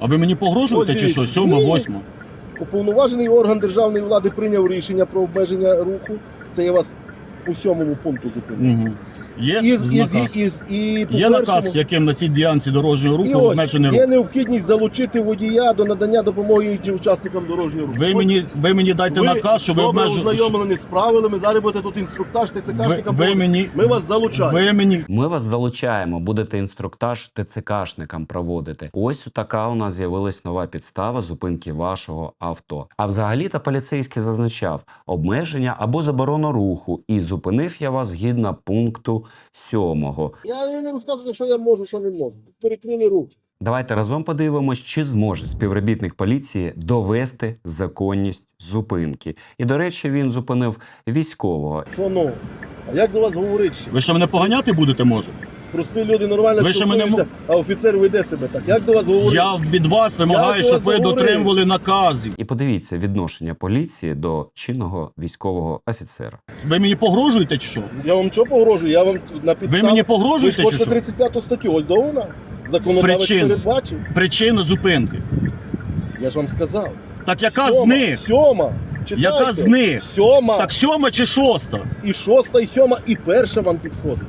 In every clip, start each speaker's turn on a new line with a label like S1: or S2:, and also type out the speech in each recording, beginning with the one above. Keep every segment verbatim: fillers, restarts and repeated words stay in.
S1: А ви мені погрожуєте
S2: Ось
S1: чи що?
S2: дивіться.
S1: Сьома,
S2: Ні.
S1: восьма?
S2: Уповноважений орган державної влади прийняв рішення про обмеження руху. Це я вас у сьомому пункту зупинив.
S1: Угу. Є
S2: І, з- і,
S1: наказ?
S2: з- і, з- і, по
S1: Є наказ,
S2: першому-
S1: яким на цій ділянці дорожнього
S2: І
S1: руху
S2: ось,
S1: обмежений
S2: є
S1: рух.
S2: необхідність залучити водія до надання допомоги іншим учасникам дорожнього руху.
S1: Ви
S2: Ось
S1: мені, ви мені дайте
S2: ви
S1: наказ, що ви
S2: добре
S1: обмежуєте.
S2: ознайомлені з правилами, зараз будете тут інструктаж
S1: Ви,
S2: ТЦКшникам.
S1: ви мені,
S2: Ми вас залучаємо.
S1: ви мені
S3: Ми вас залучаємо, будете інструктаж ТЦКшникам проводити. Ось така у нас з'явилась нова підстава зупинки вашого авто. А взагалі-то поліцейський зазначав обмеження або заборону руху, і зупинив я вас згідно пункту сьомого.
S2: Я не розказую, що я можу, що не можу. Перекрили руки.
S3: Давайте разом подивимось, чи зможе співробітник поліції довести законність зупинки. І, до речі, він зупинив військового.
S2: Що ну? А як до вас говорить ще?
S1: ви що мене поганяти будете, може?
S2: Прості люди нормально
S1: Ви ще мене
S2: спілкуються, а офіцер веде себе так. Як до вас говорить?
S1: Я від вас вимагаю,
S2: Я
S1: щоб
S2: вас
S1: ви
S2: говорив.
S1: дотримували наказів.
S3: І подивіться відношення поліції до чинного військового офіцера.
S1: Ви мені погрожуєте чи що?
S2: Я вам що погрожую? Я вам на підставі...
S1: Ви мені
S2: Ви ж
S1: погрожуєте чи
S2: хочете
S1: що?
S2: тридцять п'яту статтю, ось до вона. Законодавець
S1: Причин.
S2: передбачив.
S1: Причина зупинки.
S2: Я ж вам сказав.
S1: Так яка
S2: Сьома,
S1: з них?
S2: Сьома. Читайте.
S1: Яка з них?
S2: Сьома.
S1: Так сьома чи шоста?
S2: І шоста, і сьома, і перша вам підходить.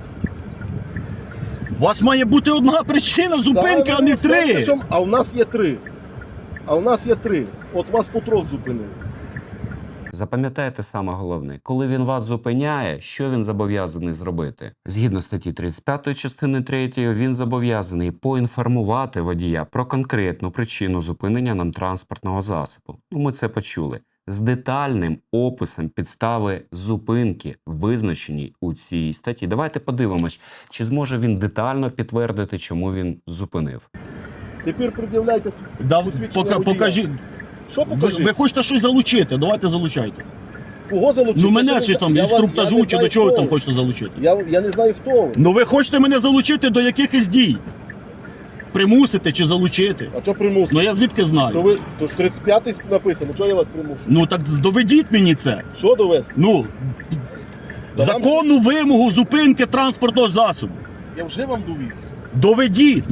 S1: У вас має бути одна причина зупинки,
S2: Та,
S1: а не
S2: ну, знаєте,
S1: три.
S2: що? А в нас є три. А в нас є три. От вас по трьох зупинили.
S3: Запам'ятайте саме головне, коли він вас зупиняє, що він зобов'язаний зробити? Згідно статті тридцять п'ятої частини третьої, він зобов'язаний поінформувати водія про конкретну причину зупинення нам транспортного засобу. Ну, ми це почули. З детальним описом підстави зупинки, визначеній у цій статті. Давайте подивимось, чи зможе він детально підтвердити, чому він зупинив.
S2: Тепер пред'являйте
S1: Да,
S2: посвідчення
S1: пока,
S2: водія.
S1: покажіть.
S2: Що
S1: Ви,
S2: покажіть?
S1: ви хочете щось залучити? Давайте залучайте.
S2: Кого залучити?
S1: Ну
S2: Я
S1: мене
S2: ще
S1: чи
S2: не
S1: там
S2: знаю. Я вам- я
S1: інструктажу,
S2: не
S1: чи
S2: знаю,
S1: до чого ви
S2: хто
S1: там
S2: ви.
S1: хочете залучити?
S2: Я, я не знаю, хто ви.
S1: Ну ви хочете мене залучити до якихось дій? Примусити чи залучити?
S2: А що примусити?
S1: Ну я звідки
S2: То
S1: знаю?
S2: ви, то ж тридцять п'ятий написано, що я вас примушую?
S1: Ну так доведіть мені це.
S2: Що довести?
S1: Ну,
S2: Та
S1: законну вимогу зупинки транспортного засобу.
S2: Я вже вам довів.
S1: Доведіть.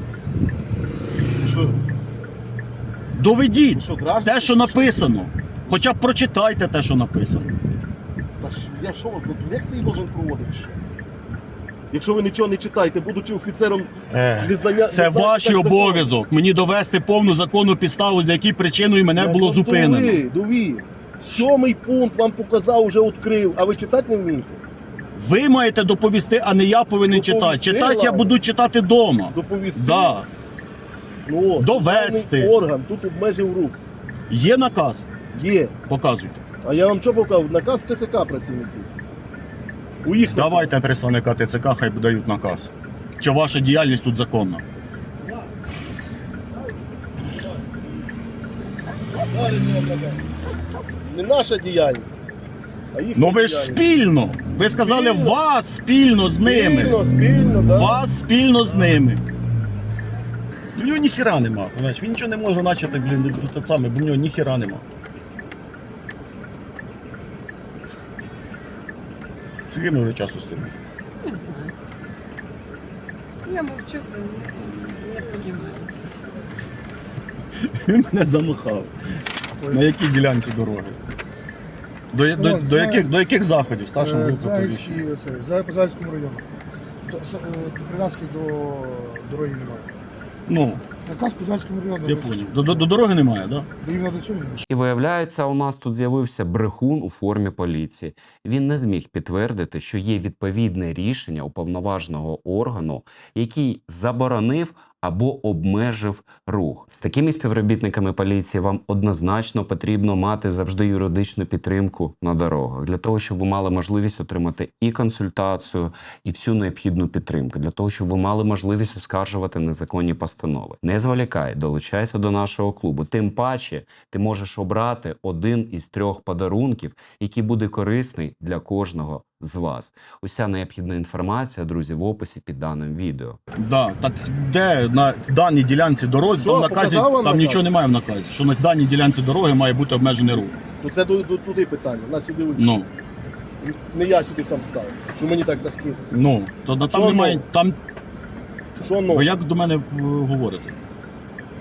S2: Що?
S1: Доведіть.
S2: Що, граждан?
S1: Те, що написано. Хоча б прочитайте те, що написано.
S2: Та ж я що, тут лекції должен проводити? Що? Якщо ви нічого не читаєте, будучи офіцером незнання...
S1: Це
S2: незнання
S1: ваш
S2: так закону.
S1: обов'язок. Мені довести повну законну підставу, за якою причиною мене
S2: Я
S1: було
S2: вам
S1: зупинено.
S2: довів, довів. Сьомий пункт вам показав, вже відкрив, а ви читати не вмієте?
S1: Ви маєте доповісти, а не я повинен
S2: Доповісти
S1: читати. Читати я
S2: вам.
S1: буду читати вдома.
S2: Доповісти?
S1: Да.
S2: Ну, от,
S1: Довести.
S2: державний орган тут обмежив рух.
S1: Є наказ?
S2: Є.
S1: Показуйте.
S2: А я вам що показав? Наказ ТЦК працівників. У їх
S1: Давайте представника ТЦК, хай дають наказ. Чи ваша діяльність тут законна?
S2: Не наша діяльність, а їхня
S1: Ну ви ж
S2: діяльність.
S1: спільно. Ви сказали
S2: Спільно.
S1: вас спільно з ними.
S2: Спільно, спільно, да.
S1: Вас спільно з ними. У нього ніхіра нема. Понимаєш? Він нічого не може начати, блін, те саме, бо в нього ніхіра нема. Скільки ми вже часу стоїмо?
S4: Не знаю. Я мовчу, не розумію.
S1: Він мене замахав. На якій ділянці дороги? До, до,
S5: Ну,
S1: до,
S5: знаю.
S1: яких, до яких заходів? Старшому групу
S5: Загальський,
S1: повіщення.
S5: це, Загальський- по Загальському району. До, с- е, до Прив'язки до дороги немає.
S1: Ну,
S5: Наказ по Загальському району.
S1: я
S5: без-
S1: поняв. До, до, до дороги немає, так? Да?
S5: До іменно до цього немає.
S3: І виявляється, у нас тут з'явився брехун у формі поліції. Він не зміг підтвердити, що є відповідне рішення уповноваженого органу, який заборонив або обмежив рух. З такими співробітниками поліції вам однозначно потрібно мати завжди юридичну підтримку на дорогах, для того, щоб ви мали можливість отримати і консультацію, і всю необхідну підтримку, для того, щоб ви мали можливість оскаржувати незаконні постанови. Не зволікай, долучайся до нашого клубу. Тим паче, ти можеш обрати один із трьох подарунків, який буде корисний для кожного з вас. Уся необхідна інформація, друзі, в описі під даним відео.
S1: Да. Так де на даній ділянці дороги,
S2: Що,
S1: там в наказі,
S2: показав вам
S1: там
S2: наказ?
S1: нічого немає в наказі, що на даній ділянці дороги має бути обмежений рух.
S2: Ну це до, до, туди питання, нас сюди ось.
S1: Ну,
S2: Не я сюди сам став, що мені так захотілося.
S1: ну, то на- там
S2: Що
S1: немає,
S2: ну?
S1: там,
S2: Що ну?
S1: ви як до мене е, говорите?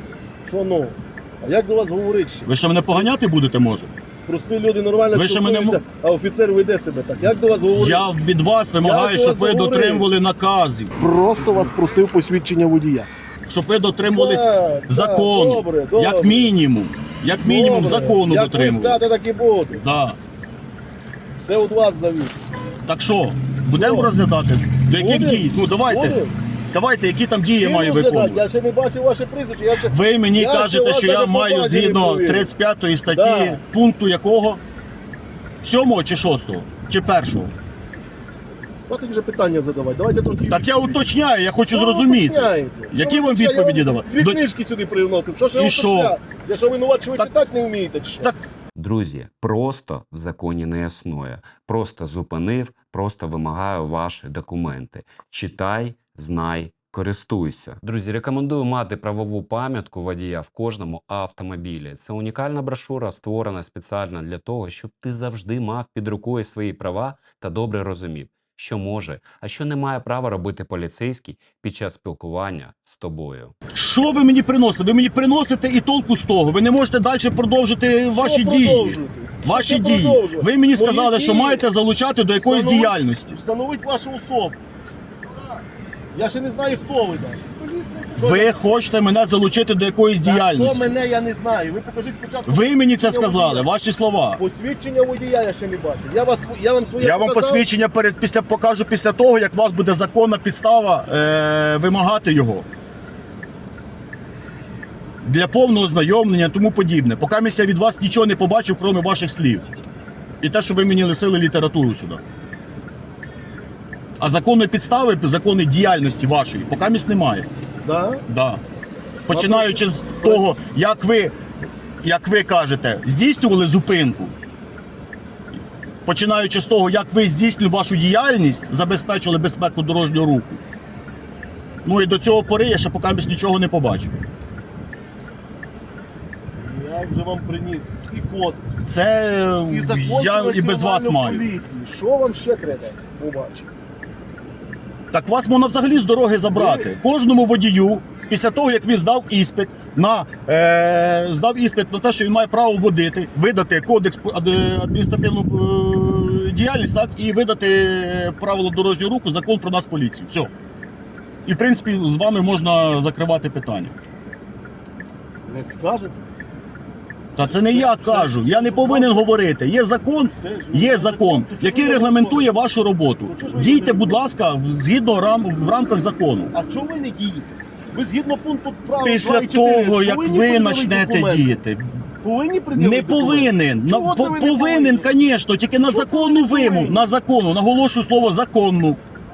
S2: Що ну? А як до вас говорить ще?
S1: Ви ще мене поганяти будете, може?
S2: Прості люди нормально
S1: Ви ще мене
S2: спілкуються, а офіцер веде себе так. Як до вас говорить?
S1: Я від вас вимагаю,
S2: Я
S1: щоб
S2: до
S1: ви
S2: вас говорив.
S1: дотримували наказів.
S2: Просто вас просив посвідчення водія.
S1: Щоб ви дотримувались
S2: Так,
S1: закону.
S2: так, добре, добре.
S1: Як мінімум. Як мінімум
S2: Добре.
S1: закону
S2: Як ви
S1: дотримували.
S2: скажете, так і буде.
S1: Да.
S2: Все від вас завіс.
S1: Так що, будемо
S2: Що?
S1: розглядати? До яких
S2: Будем.
S1: дій? Ну давайте.
S2: Будем.
S1: Давайте, які там дії я
S2: Всі
S1: маю
S2: розглядати.
S1: виконувати.
S2: Я ще не бачив ваше прізвище. Я ще...
S1: Ви мені
S2: Я ще
S1: кажете,
S2: вас
S1: що я
S2: навіть
S1: маю
S2: по базі не
S1: згідно
S2: провірив.
S1: тридцять п'ятої статті
S2: Да.
S1: пункту якого? Сьомого чи шостого? Чи першого?
S2: Давайте вже питання задавати. Давайте трохи...
S1: Так я уточняю, я хочу
S2: Що ви
S1: зрозуміти.
S2: уточняєте?
S1: Які
S2: Що ви
S1: вам
S2: уточняєте?
S1: відповіді
S2: Я вам
S1: давати?
S2: Дві
S1: До-
S2: книжки сюди привносив. Що ще
S1: І що?
S2: уточняти? Я що винуват, що ви
S1: Так-
S2: читати не вмієте? Чи що?
S1: Так
S3: Друзі, просто в законі не існує. Просто зупинив, просто вимагаю ваші документи. Читай, знай, користуйся. Друзі, рекомендую мати правову пам'ятку водія в кожному автомобілі. Це унікальна брошура, створена спеціально для того, щоб ти завжди мав під рукою свої права та добре розумів, що може, а що не має права робити поліцейський під час спілкування з тобою.
S1: що ви мені приносите? Ви мені приносите і толку з того. Ви не можете далі продовжити ваші
S2: Що
S1: дії.
S2: продовжуєте?
S1: Ваші
S2: Що
S1: дії.
S2: продовжувати?
S1: Ви мені
S2: Мої
S1: сказали, що
S2: дії
S1: маєте залучати до якоїсь
S2: встановить-
S1: діяльності.
S2: Встановить вашу особу. Я ще не знаю, хто ви там.
S1: Ви хочете мене залучити до якоїсь
S2: Хто
S1: діяльності.
S2: мене, я не знаю. Ви покажіть спочатку.
S1: Ви мені це
S2: посвідчення
S1: сказали,
S2: водія.
S1: ваші слова.
S2: Посвідчення водія я ще не бачив. Я, вас, я вам своє
S1: Я вам
S2: показав.
S1: посвідчення перед після покажу після того, як у вас буде законна підстава е, вимагати його. Для повного знайомлення і тому подібне. Поки я від вас нічого не побачив, крім ваших слів. І те, що ви мені лисили літературу сюди. А законної підстави, законної діяльності вашої, поки місць немає.
S2: Да?
S1: Да. Починаючи з того, як ви, як ви кажете, здійснювали зупинку. Починаючи з того, як ви здійснювали вашу діяльність, забезпечили безпеку дорожнього руху. Ну і до цього пори я ще поки нічого не побачу.
S2: Я вже вам приніс і кодекс,
S1: Це
S2: і закон
S1: я
S2: про
S1: і без вас
S2: національну
S1: маю.
S2: поліцію. Що вам ще треба побачити?
S1: Так вас можна взагалі з дороги забрати. Кожному водію, після того, як він здав іспит на, е, здав іспит на те, що він має право водити, видати кодекс ад- адміністративну е, діяльність, так, і видати правила дорожнього руху, закон про нас поліцію. Все. І, в принципі, з вами можна закривати питання.
S2: Як скажете?
S1: Та це не я кажу, я не повинен говорити. Є закон,
S2: Все ж,
S1: є
S2: ну,
S1: закон,
S2: то чого
S1: який
S2: ви
S1: регламентує
S2: не
S1: вашу роботу.
S2: Ну, чого ж ви
S1: Дійте,
S2: не
S1: будь ласка, в- згідно рам, в рамках закону.
S2: А чого ви не дієте? Ви згідно пункту права
S1: Після
S2: два і чотири
S1: того, як
S2: повинні
S1: ви
S2: пред'явити
S1: почнете
S2: документи?
S1: діяти,
S2: Повинні пред'явити
S1: не
S2: документи?
S1: повинен. На,
S2: Чого це
S1: по-
S2: ви не
S1: повинен,
S2: повинні?
S1: звісно, тільки на
S2: Чого це ви
S1: законну
S2: не повинні?
S1: вимогу, на законну, наголошую слово законну,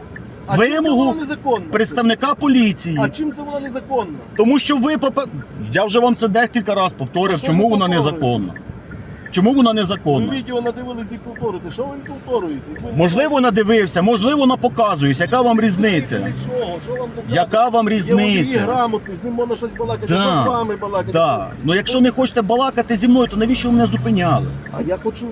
S2: А чим це
S1: вимогу
S2: вона незаконна?
S1: представника поліції.
S2: А чим це вона незаконна?
S1: Тому що ви, попе- я вже вам це декілька разів повторив,
S2: А що
S1: чому
S2: ви
S1: вона
S2: повторюєте?
S1: незаконна. Чому вона
S2: Ви
S1: незаконна?
S2: відео надивились, не повторюєте. Що ви не повторюєте? Як ви не
S1: Можливо, надивився, можливо, вона показуюсь. Яка вам різниця?
S2: знаєте, нічого, що вам доказує?
S1: Яка вам
S2: Є водії
S1: різниця?
S2: грамотний, з ним можна щось балакати,
S1: Да.
S2: що з вами балакати.
S1: Так. Ну якщо не хочете балакати зі мною, то навіщо ви мене зупиняли?
S2: А я хочу,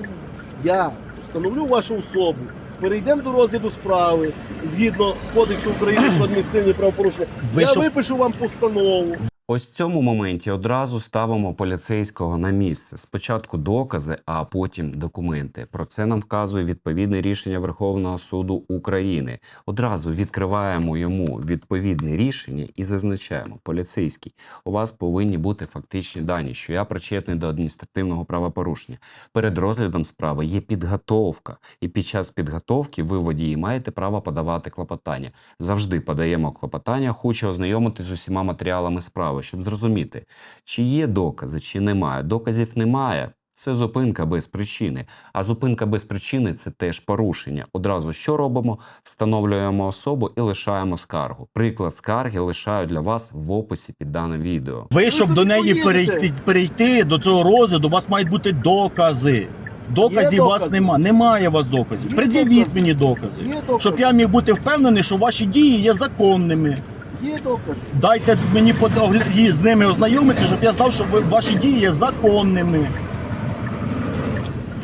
S2: я встановлю вашу особу, перейдемо до розгляду справи, згідно Кодексу України про адміністративні правопорушення.
S1: Ви
S2: я
S1: що-
S2: випишу вам постанову.
S3: Ось в цьому моменті одразу ставимо поліцейського на місце. Спочатку докази, а потім документи. Про це нам вказує відповідне рішення Верховного суду України. Одразу відкриваємо йому відповідне рішення і зазначаємо: поліцейський, у вас повинні бути фактичні дані, що я причетний до адміністративного правопорушення. Перед розглядом справи є підготовка, і під час підготовки ви, водії, маєте право подавати клопотання. Завжди подаємо клопотання, хочу ознайомитися з усіма матеріалами справи, щоб зрозуміти, чи є докази, чи немає. Доказів немає. Це зупинка без причини. А зупинка без причини – це теж порушення. Одразу що робимо? Встановлюємо особу і лишаємо скаргу. Приклад скарги лишаю для вас в описі під даним відео.
S1: Ви, щоб
S2: собі
S1: до неї
S2: поїдете.
S1: перейти, перейти до цього розгляду, у вас мають бути докази. Доказів у вас
S2: докази.
S1: нема. Немає у вас доказів.
S2: Є
S1: Пред'явіть
S2: докази.
S1: мені докази.
S2: Є докази.
S1: Щоб я міг бути впевнений, що ваші дії є законними.
S2: Є докази.
S1: Дайте мені под- огля- з ними ознайомитися, щоб я знав, що ви- ваші дії є законними.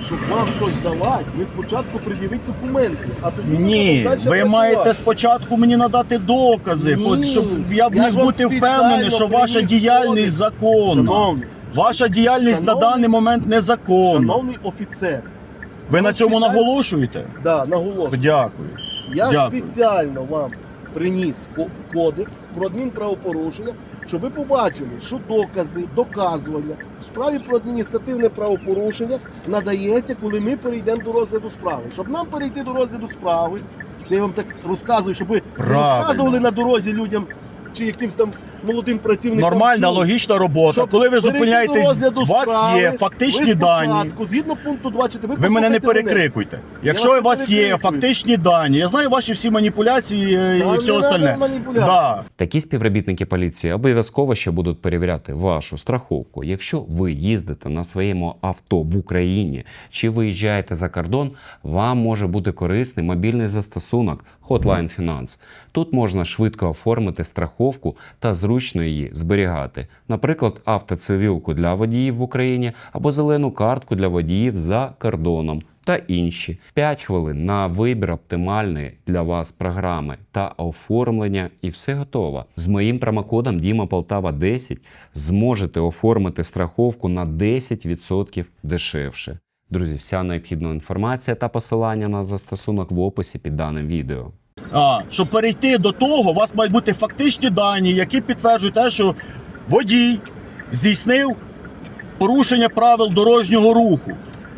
S2: щоб вам щось давати, ви спочатку пред'явіть документи, а тоді ми
S1: Ні,
S2: будемо далі
S1: ви
S2: працювати.
S1: маєте спочатку мені надати докази,
S2: Ні,
S1: хоч щоб я
S2: я
S1: міг
S2: ж вам
S1: бути
S2: спеціально
S1: впевнений, що ваша
S2: приніс
S1: діяльність
S2: кодекс.
S1: законна.
S2: Шановний,
S1: Ваша діяльність на
S2: Шановний-
S1: даний момент незаконна.
S2: шановний офіцер,
S1: Ви на цьому
S2: спеціально-
S1: наголошуєте?
S2: да, наголошую.
S1: Дякую.
S2: Я
S1: Дякую.
S2: спеціально вам приніс ко- кодекс про адмінправопорушення, щоб ви побачили, що докази, доказування в справі про адміністративне правопорушення надається, коли ми перейдемо до розгляду справи. Щоб нам перейти до розгляду справи, це я вам так розказую, щоб ви не
S1: Правильно.
S2: розказували на дорозі людям чи якимсь там молодим працівникам.
S1: Нормальна,
S2: що-
S1: логічна робота.
S2: щоб
S1: Коли ви
S2: перейти до
S1: зупиняєтесь,
S2: розгляду
S1: у вас
S2: справи,
S1: є фактичні
S2: ви
S1: дані.
S2: спочатку, згідно пункту двадцять, ви,
S1: Ви мене не
S2: послухайте
S1: перекрикуйте. Якщо
S2: вас
S1: у вас
S2: не
S1: є
S2: перекрикую.
S1: фактичні дані, я знаю ваші всі маніпуляції е,
S2: Та
S1: і
S2: не
S1: все
S2: надо
S1: остальне.
S2: маніпуляцій.
S1: Да.
S3: Такі співробітники поліції обов'язково ще будуть перевіряти вашу страховку. Якщо ви їздите на своєму авто в Україні чи виїжджаєте за кордон, вам може бути корисний мобільний застосунок Hotline Finance. Тут можна швидко оформити страховку та зручно її зберігати. Наприклад, автоцивілку для водіїв в Україні або зелену картку для водіїв за кордоном. Та інші. п'ять хвилин на вибір оптимальної для вас програми та оформлення, і все готово. З моїм промокодом Діма Полтава десять зможете оформити страховку на десять відсотків дешевше. Друзі, вся необхідна інформація та посилання на застосунок в описі під даним відео.
S1: А, щоб перейти до того, у вас мають бути фактичні дані, які підтверджують те, що водій здійснив порушення правил дорожнього руху.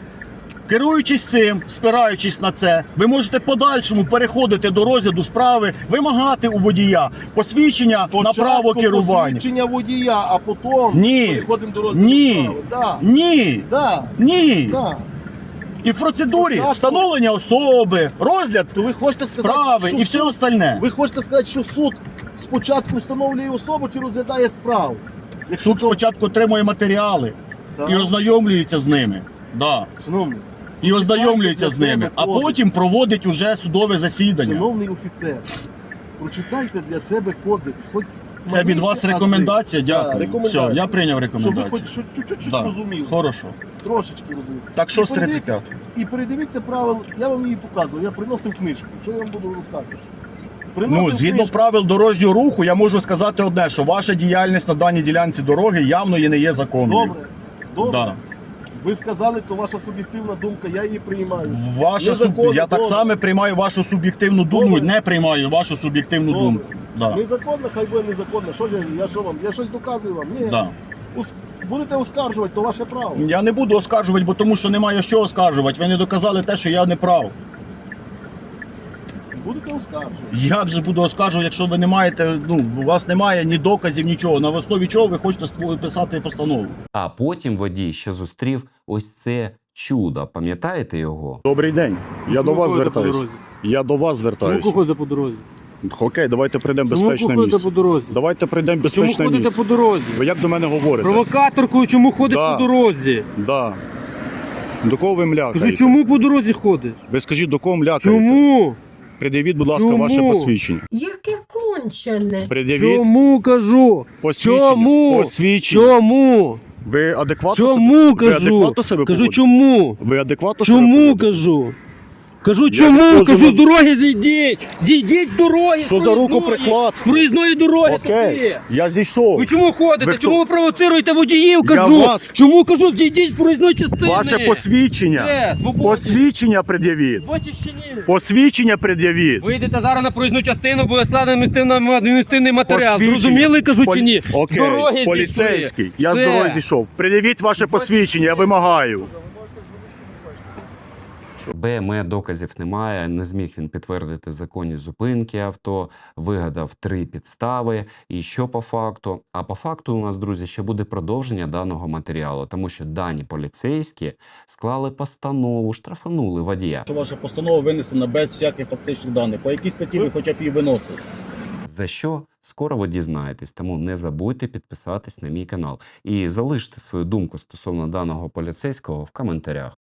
S1: Керуючись цим, спираючись на це, ви можете в подальшому переходити до розгляду справи, вимагати у водія посвідчення на
S2: Спочатку
S1: право керування.
S2: посвідчення водія, а потім
S1: Ні.
S2: переходимо до розгляду
S1: Ні.
S2: справи. Да.
S1: Ні,
S2: Да.
S1: ні.
S2: Да.
S1: І в процедурі
S2: Спочатку-
S1: встановлення особи, розгляд
S2: То ви хочете сказати,
S1: справи
S2: що
S1: і все
S2: суд-
S1: остальне.
S2: ви хочете сказати, що суд спочатку встановлює особу чи розглядає справу? Якщо
S1: Суд
S2: то-
S1: спочатку отримує матеріали
S2: Да.
S1: і ознайомлюється з ними. Да.
S2: Шановний,
S1: І ознайомлюється з ними, а
S2: кодекс.
S1: потім проводить уже судове засідання.
S2: шановний офіцер, прочитайте для себе кодекс. Хоч
S1: Це від
S2: малейші
S1: вас
S2: ази.
S1: рекомендація?
S2: Да,
S1: Дякую.
S2: рекомендація.
S1: Все, я прийняв
S2: Щоб ви
S1: рекомендацію.
S2: хоч що- чуть-чуть щось
S1: Да.
S2: розуміли.
S1: Хорошо.
S2: Трошечки розуміли.
S1: Так що
S2: І
S1: з тридцять
S2: передивіться-
S1: п'ятого?
S2: І передивіться правил, я вам її показував, я приносив книжку. Що я вам буду розказувати?
S1: Ну,
S2: Приносив
S1: згідно
S2: книжку.
S1: правил дорожнього руху, я можу сказати одне, що ваша діяльність на даній ділянці дороги явно і не є законною.
S2: Добре, добре.
S1: Да.
S2: Ви сказали, це ваша суб'єктивна думка, я її приймаю.
S1: Ваша суб...
S2: Незаконно,
S1: Я так
S2: добре.
S1: само приймаю вашу суб'єктивну думку,
S2: Добре.
S1: не приймаю вашу суб'єктивну
S2: Добре.
S1: думку. Да.
S2: Незаконно, хай буде незаконно. Що я, я що вам? Я щось доказую вам? Ні.
S1: Да.
S2: Ус- Будете оскаржувати, то ваше право.
S1: Я не буду оскаржувати, бо тому що немає що оскаржувати. Ви не доказали те, що я не прав.
S2: Будете оскаржувати.
S1: Як же буду оскаржувати, якщо ви не маєте, ну, у вас немає ні доказів, нічого. На основі чого ви хочете ству- писати постанову?
S3: А потім водій ще зустрів ось це чудо. Пам'ятаєте його?
S1: Добрий день. Я до вас звертаюся. Я до вас звертаюся.
S6: ходите по дорозі?
S1: Окей, давайте прийдемо в
S6: Чому
S1: безпечне
S6: ходите
S1: місце.
S6: по дорозі?
S1: Давайте прийдемо в
S6: Чому
S1: безпечне
S6: ходите
S1: місце.
S6: по дорозі?
S1: Ви як до мене говорите?
S6: Провокаторкою чому ходиш
S1: Да.
S6: по дорозі?
S1: Да. До кого ви млякаєте?
S6: Кажу, чому по дорозі ходиш?
S1: Ви скажіть, до кого млякаєте?
S6: Чому?
S1: Пред'явіть, будь ласка,
S6: Чому?
S1: ваше посвідчення.
S4: Яке кончене.
S1: Пред'явіть
S6: Чому кажу?
S1: посвідчення.
S6: Чому?
S1: Посвідчення.
S6: Чому?
S1: Ви адекватно
S6: Чому
S1: себе... Ви
S6: кажу?
S1: адекватно себе
S6: Кажу,
S1: поводите?
S6: чому?
S1: Ви адекватно себе
S6: Чому
S1: поводите?
S6: кажу? Кажу,
S1: не
S6: чому?
S1: можу
S6: Кажу,
S1: вас-
S6: з дороги зійдіть! Зійдіть з дороги!
S1: Що
S6: з
S1: за руку
S6: проїзної!
S1: прикладство?
S6: З проїзної дороги
S1: Окей,
S6: такі!
S1: я зійшов.
S6: Ви чому ходите?
S1: Ви хто?
S6: Чому ви провоцируєте водіїв?
S1: Я
S6: Кажу!
S1: вас-
S6: Чому кажу, зійдіть з проїзної частини?
S1: Ваше посвідчення.
S6: Де? Свободі.
S1: Посвідчення пред'явіть.
S6: Бачиш чи ні?
S1: Посвідчення пред'явіть.
S6: Вийдете зараз на проїзну частину, буде складено адміністративний матеріал.
S1: Посвідчення.
S6: Зрозуміли, кажу,
S1: Полі-
S6: чи ні?
S1: Окей,
S6: З дороги
S1: поліцейський.
S6: зійшли.
S1: Я з
S6: Все.
S1: дороги зійшов. Пред'явіть ваше посвідчення, я вимагаю.
S3: БМЕ доказів немає, не зміг він підтвердити законність зупинки авто, вигадав три підстави. І що по факту? А по факту у нас, друзі, ще буде продовження даного матеріалу, тому що дані поліцейські склали постанову, штрафанули водія.
S1: Що ваша постанова винесена без всяких фактичних даних. По якій статті ви хоча б її виносили?
S3: За що? Скоро ви дізнаєтесь, тому не забудьте підписатись на мій канал і залиште свою думку стосовно даного поліцейського в коментарях.